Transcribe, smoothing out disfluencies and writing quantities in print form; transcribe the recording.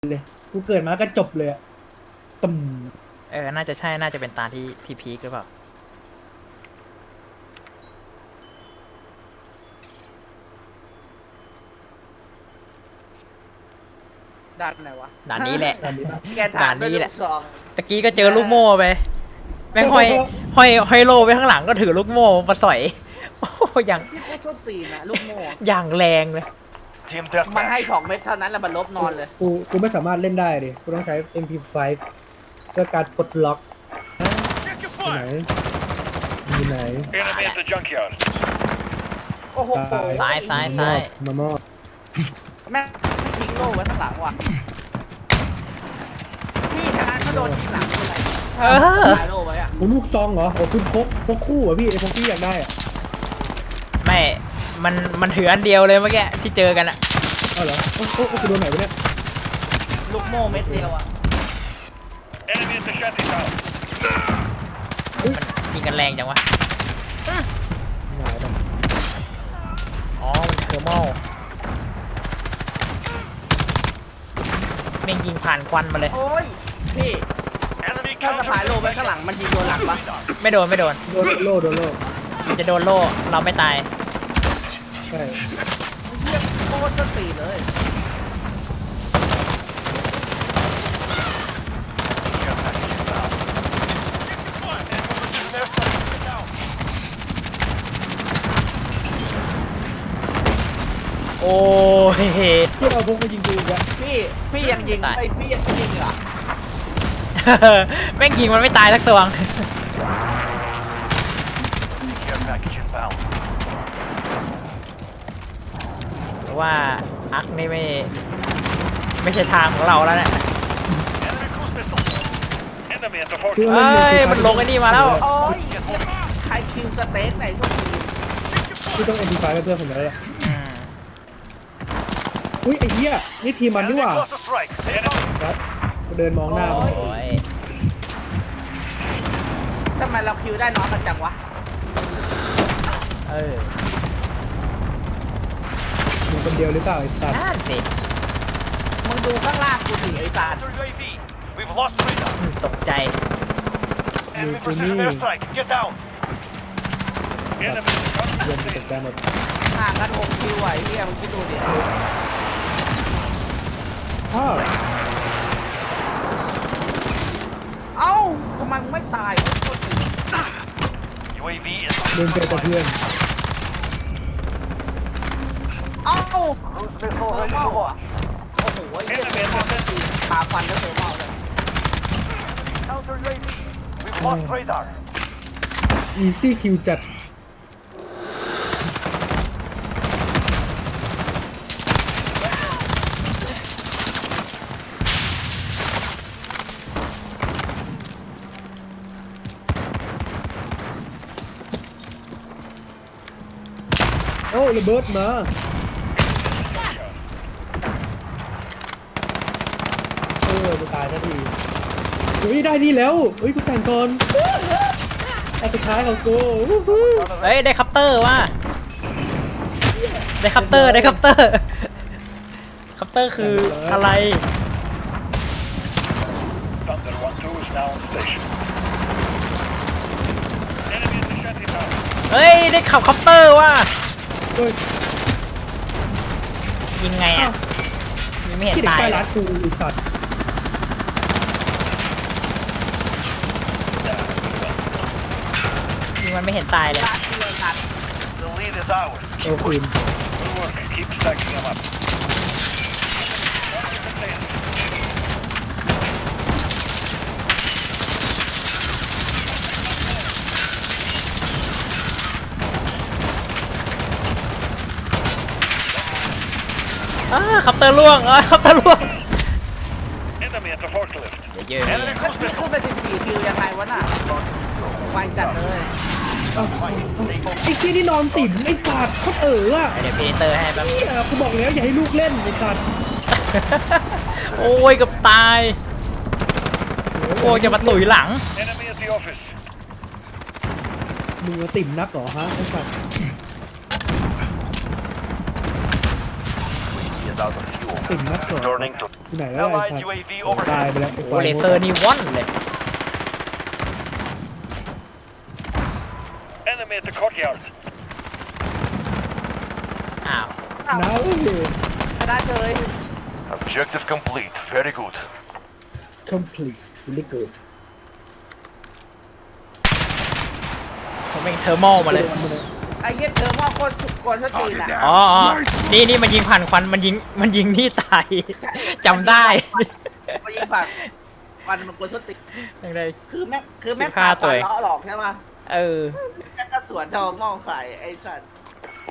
เลยกูเกิดมาก็จบเลยอะตึมน่าจะใช่น่าจะเป็นตาที่พีคหรือเปล่าดันไหนวะด่านนี้แหละอันนี้ปะแกถามด้วยด่านนี้ลูแหละกซองตะกี้ก็เจอลูกโม่ไปแม่งห้อยโลไปข้างหลังก็ถือลูกโม่มาสอยโอ้อย่างที่โคตรส้นตีนนะลูกโม่อย่างแรงเลย Team มันให้ deathmatch. 2 เม็ดเท่านั้นแล้วมันลบนอนเลยกูไม่สามารถเล่นได้ดิกูต้องใช้ MP5 เพื่อการปลดล็อก Check your อยู่ไหน fire. อยู่ไหน Enemy at the junkyard. โอ้โหซ้ายซ้ายมามอบแม่งทิ้งโล่ไว้ข้างหลังว่ะพี่ทางนั้นเขาโดนยิงหลังอะไรเออตายโล่ไว้อะโอ้ลูกซองเหรอโอ้คุณพกคู่เหรอพี่ไอ้พกที่อยากได้อะไม่มันถืออันเดียวเลยเมื่อกี้ที่เจอกันอะเอาเหรอโอ้กูโดนไหนวะเนี่ยลูกโม่เม็ดเดียวอะ Enemy at the shanty town. มันยิงกันแรงจังวะหายไปอ๋อมันเทอร์โมแม่งยิงผ่านควันมาเลยโอ้ยพี่ Enemy ถ้าสะพายโล่ไว้ข้างหลังมันยิงโดนหลังปะไม่โดนโดนโล่มันจะโดนโล่เราไม่ตายใช่เฮียโคตรส้นตีนเลยโอ้ยที่เราพกมายิงกูอีกอะพี่ยังยิงตายไอ้พี่ยังยิงเหรอแม่งยิงมันไม่ตายสักตัวง Care package inbound. เพราะว่าอักนี่ไม่ใช่ทางของเราแล้วเนี่ย Enemy cruise missile. Enemy at the คือ fortress. ว่าเอ้เล่นยมันลงไอ้นี่มาแล้วโอ้ยใครคิวสเต็กไหนช่วงนี้ที่ต้อง MP5 ให้เพื่อนผมแล้วล่ะอืมอุ้ยไอ้เหี้ยนี่ทีมมันนี่ Enemy หว่า cluster strike. Enemy. ครับกูเดินมองหน้าโอ้ยโอ้ยทำไมเราคิวได้น้อยกันจังวะเออมึงคนเดียวหรือเปล่าไอ้สัตว์นั่นสิมึงดูข้างล่างกูสิไอ้สาร Counter UAV. We've lost radar. ตกใจ Enemy precision airstrike. Get down. Enemy เดิน counter ไปตกใจหมดห่างกัน6 คิวไอ้เหี้ยมึงคิดดูดิอ้าวเอ้าทำไมมึงไม่ตายวะ UAV is เดินเจอแต่เพื่อนเอ้า cruise เทอ missile ร์ ready โม to อ่ะ launch. โอ้โหไอ้เหี้ยเทอร์โมก็ตีปาฟันแล้วเทอร์โมเลย Counter UAV. We've lost radar. อีซี่คิวจัดโอ้ระเบิดมาจะตายทันทีเฮ้ยได้นี่แล้วเฮ้ยกูแต่งก่อนอันสุดท้ายของกูวู้ฮู้เฮ้ยได้คัปเตอร์ว่ะได้คัปเตอร์คัปเตอร์คืออะไร Thunder 1-2 is now on station. Enemy at the shanty town. เฮ้ยได้ขับคัปเตอร์ว่ะเฮ้ยยิงไงอ่ะยิงไม่เห็นที่เด็กตายใต้เลร้าย นกูไอีสัตว์ยิงมันไม่เห็นตายเลยลาเทียนัด The lead is ours. โอ้คืน Good work. Keep stacking them up. คัปเตอร์ล่วงคัปเตอร์ล่วง Enemy at the forklift. เยอะ Enemy แล้ว cruise พี่ขึ้น missile. ไป14 คิวยังไงวะน่ะไวจัดเลยไอ้ที่นี่นอนติ่มไอ้สัตว์โคตรอะเดี๋ยวพีเตอร์ให้แป๊บเหี้ยกูบอกแล้วอย่าให้ลูกเล่นไอ้สัตว์โอ้ยเกับตาย โอ้ยจะมาตุ๋ยหลัง Enemy at the office. มึงติ่มนักเหรอฮะไอ้สัตว์ Yes, is out of fuel. ติ่งนักสอน Turning to ที่ไหนแล้วไอ้ Allied สัตว์ UAV ตาย overhead. ไปแล้วไอ้โอ้เลเซอร์นี่ว่อนเลย Enemy at the courtyard. อ้าวอ้าวน้าเอ้ยชนะเลย Objective complete. Very good. complete really good เขาแม่งเทอร์โมมาเลยไอ้เหี้ยเธอว่าคนชดตีนอ่ะอ๋อนี่มันยิงผ่านควันมันยิงนี่ตาย จำได้มายิงฝั่งวันมันคนชดตีนยังไงคือแม่ง 15ตัวเองล้อหลอกใช่ไหมเออแม่งก็สวนเธอมองใส่ไอ้สัตว์